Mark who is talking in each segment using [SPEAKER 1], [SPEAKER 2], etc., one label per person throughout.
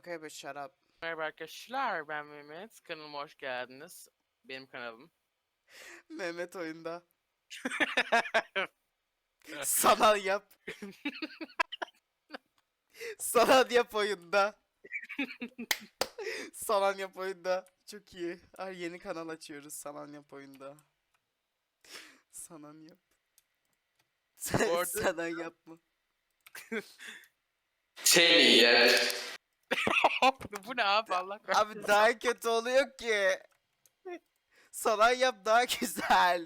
[SPEAKER 1] Okay, but shut up.
[SPEAKER 2] Merhaba arkadaşlar, ben Mehmet. Kanalıma hoş geldiniz. Benim kanalım.
[SPEAKER 1] Mehmet oyunda. Sanal yap. Sanal yap oyunda. Sanal yap oyunda. Çok iyi. Ay, yeni kanal açıyoruz sanal yap oyunda. Sanal yap.
[SPEAKER 2] Bu arada
[SPEAKER 1] Sanal yap mı?
[SPEAKER 3] Seni yer.
[SPEAKER 2] bu ne abi Allah kahretsin.
[SPEAKER 1] Abi daha kötü oluyor ki. Sanal yap daha güzel.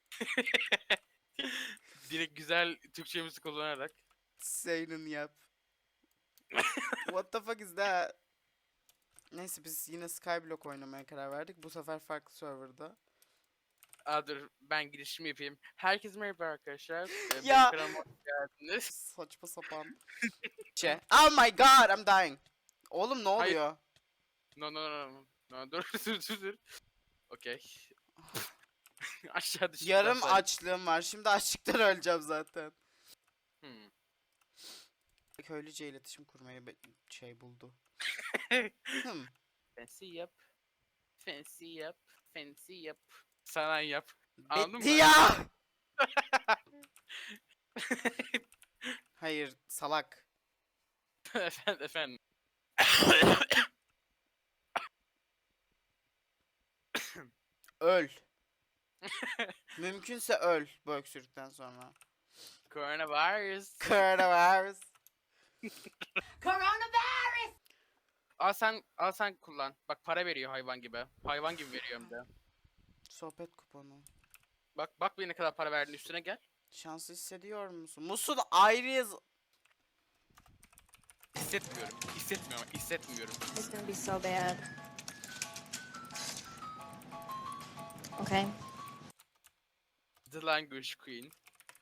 [SPEAKER 2] Direkt güzel Türkçemizi kullanarak.
[SPEAKER 1] Senin yap. What the fuck is that? Neyse biz yine Skyblock oynamaya karar verdik. Bu sefer farklı serverda.
[SPEAKER 2] Dur ben girişimi yapayım. Herkese merhaba arkadaşlar. Benim
[SPEAKER 1] Ya.
[SPEAKER 2] kanalıma hoş geldiniz.
[SPEAKER 1] Saçma sapan. Oh my god, I'm dying. Oğlum ne
[SPEAKER 2] Hayır.
[SPEAKER 1] oluyor?
[SPEAKER 2] No, dur. Okey. Aşağı düştüm.
[SPEAKER 1] Yarım açlığım var. Şimdi açlıktan öleceğim zaten. Köylüce iletişim kurmayı buldu.
[SPEAKER 2] Fancy yap. Sana yap. Anladın
[SPEAKER 1] Bitti
[SPEAKER 2] mı?
[SPEAKER 1] ya. Hayır, salak.
[SPEAKER 2] Efendim.
[SPEAKER 1] Öl. Mümkünse öl bu öksürükten sonra.
[SPEAKER 2] Coronavirus.
[SPEAKER 1] Coronavirus.
[SPEAKER 4] Coronavirus!
[SPEAKER 2] Al sen kullan. Bak para veriyor hayvan gibi. Hayvan gibi veriyor hem de.
[SPEAKER 1] Sohbet kuponu.
[SPEAKER 2] Bak bir ne kadar para verdiğin üstüne gel.
[SPEAKER 1] Şanslı hissediyor musun? Musul ayrıyız.
[SPEAKER 2] Hissetmiyorum.
[SPEAKER 4] It's gonna be so bad. Okay.
[SPEAKER 2] The Language Queen.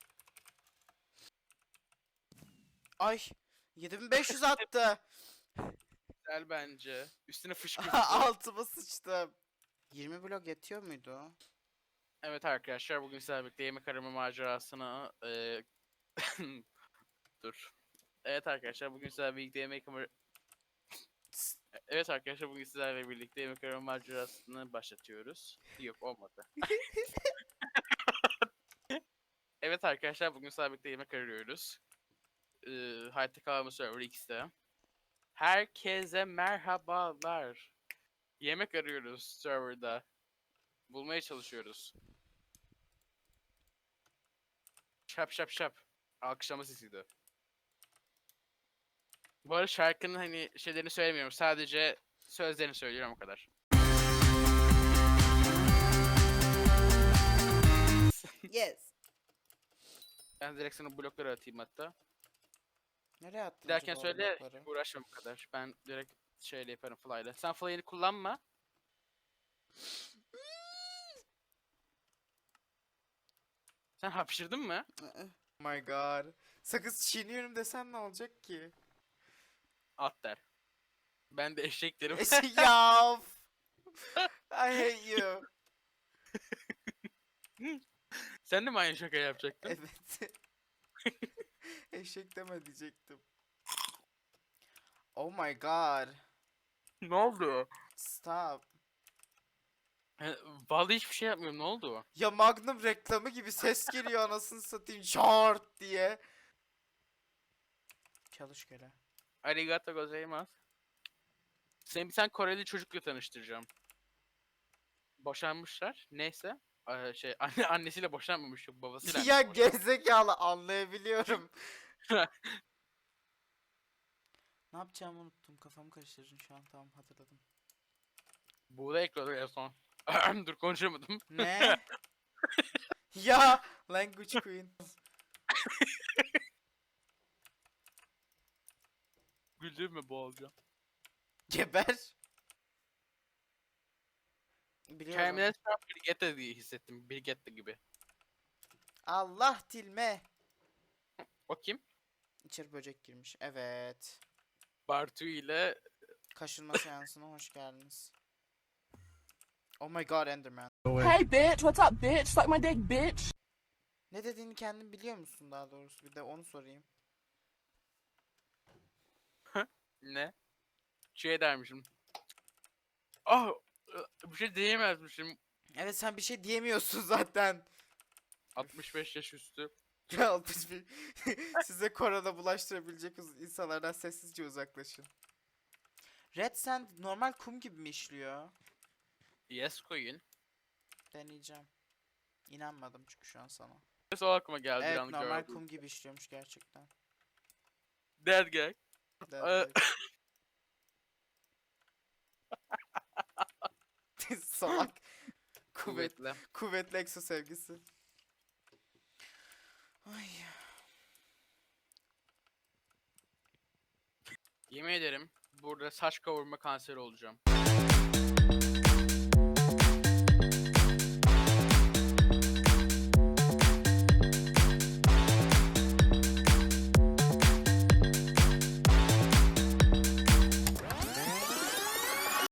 [SPEAKER 1] Ay, 7500 attı.
[SPEAKER 2] Güzel bence. Üstüne fışkırdı.
[SPEAKER 1] Altıma sıçtım. 20 blok yetiyor muydu?
[SPEAKER 2] Evet arkadaşlar bugün sizlerle birlikte yemek arama macerasını dur. Evet arkadaşlar bugün sizlerle birlikte yemek arama macerasını başlatıyoruz. Yok olmadı. Evet arkadaşlar bugün sizlerle birlikte yemek arıyoruz. Hayatta kalma server X'te. Herkese merhabalar. Yemek arıyoruz serverda. Bulmaya çalışıyoruz. Şap. Alkışlama sesiydi. Bu arada şarkının hani şeylerini söylemiyorum. Sadece sözlerini söylüyorum o kadar.
[SPEAKER 1] Yes.
[SPEAKER 2] Ben direkt sana blokları atayım hatta.
[SPEAKER 1] Nereye attın
[SPEAKER 2] Giderken
[SPEAKER 1] acaba o
[SPEAKER 2] söyle
[SPEAKER 1] blokları?
[SPEAKER 2] uğraşma bu kadar. Ben direkt şeyle yaparım fly'la. Sen fly'ını kullanma. Sen hapşırdın mı?
[SPEAKER 1] Oh my god. Sakız çiğniyorum desen ne olacak ki?
[SPEAKER 2] At der. Ben de eşek derim.
[SPEAKER 1] Yav. I hate you.
[SPEAKER 2] Sen de mi aynı şaka yapacaktın?
[SPEAKER 1] Evet. Eşek deme diyecektim. Oh my god.
[SPEAKER 2] Ne oldu?
[SPEAKER 1] Stop.
[SPEAKER 2] Vallahi hiçbir şey yapmıyorum. Ne oldu?
[SPEAKER 1] Ya Magnum reklamı gibi ses geliyor anasını satayım şart diye. Çalış köle.
[SPEAKER 2] Arigato gozaimasu. Seni bir tane Koreli çocukla tanıştıracağım. Boşanmışlar. Neyse. Annesiyle boşanmamış. Yok babasıyla.
[SPEAKER 1] Ya
[SPEAKER 2] annesi boşanmış.
[SPEAKER 1] gerizekalı anlayabiliyorum. Ne yapacağımı unuttum. Kafamı karıştırdın şu an. Tamam hatırladım.
[SPEAKER 2] Buğday ekliyordu en son. Dur konuşamadım.
[SPEAKER 1] Ne? Ya language queen.
[SPEAKER 2] Güldürme boğulacağım.
[SPEAKER 1] Geber. Biliyorum.
[SPEAKER 2] Kendimden şu an Brigitte diye hissettim. Brigitte gibi.
[SPEAKER 1] Allah tilme.
[SPEAKER 2] O kim?
[SPEAKER 1] İçeri böcek girmiş. Evet.
[SPEAKER 2] Bartu ile
[SPEAKER 1] Kaşınma seansına hoş geldiniz. Oh my god Enderman.
[SPEAKER 5] Hey bitch, what's up bitch? Suck my dick bitch.
[SPEAKER 1] Ne dediğini kendin biliyor musun daha doğrusu? Bir de onu sorayım.
[SPEAKER 2] ne? Şey dermişim. Ah, bir şey diyemezmişim.
[SPEAKER 1] Evet sen bir şey diyemiyorsun zaten.
[SPEAKER 2] 65 yaş üstü.
[SPEAKER 1] Ya 61. Size korona bulaştırabilecek insanlardan sessizce uzaklaşın. Red Sand normal kum gibi mi işliyor?
[SPEAKER 2] Yes koyun.
[SPEAKER 1] Deneyeceğim. İnanmadım çünkü şu an sana.
[SPEAKER 2] Yes o aklıma geldi.
[SPEAKER 1] Evet
[SPEAKER 2] yalnız
[SPEAKER 1] normal
[SPEAKER 2] gördüm.
[SPEAKER 1] kum gibi işliyormuş gerçekten.
[SPEAKER 2] Dead guy.
[SPEAKER 1] Dead guy. Salak.
[SPEAKER 2] Kuvvetli.
[SPEAKER 1] Kuvvetli Exo sevgisi. Ay.
[SPEAKER 2] Yemin ederim burada saç kavurma kanseri olacağım.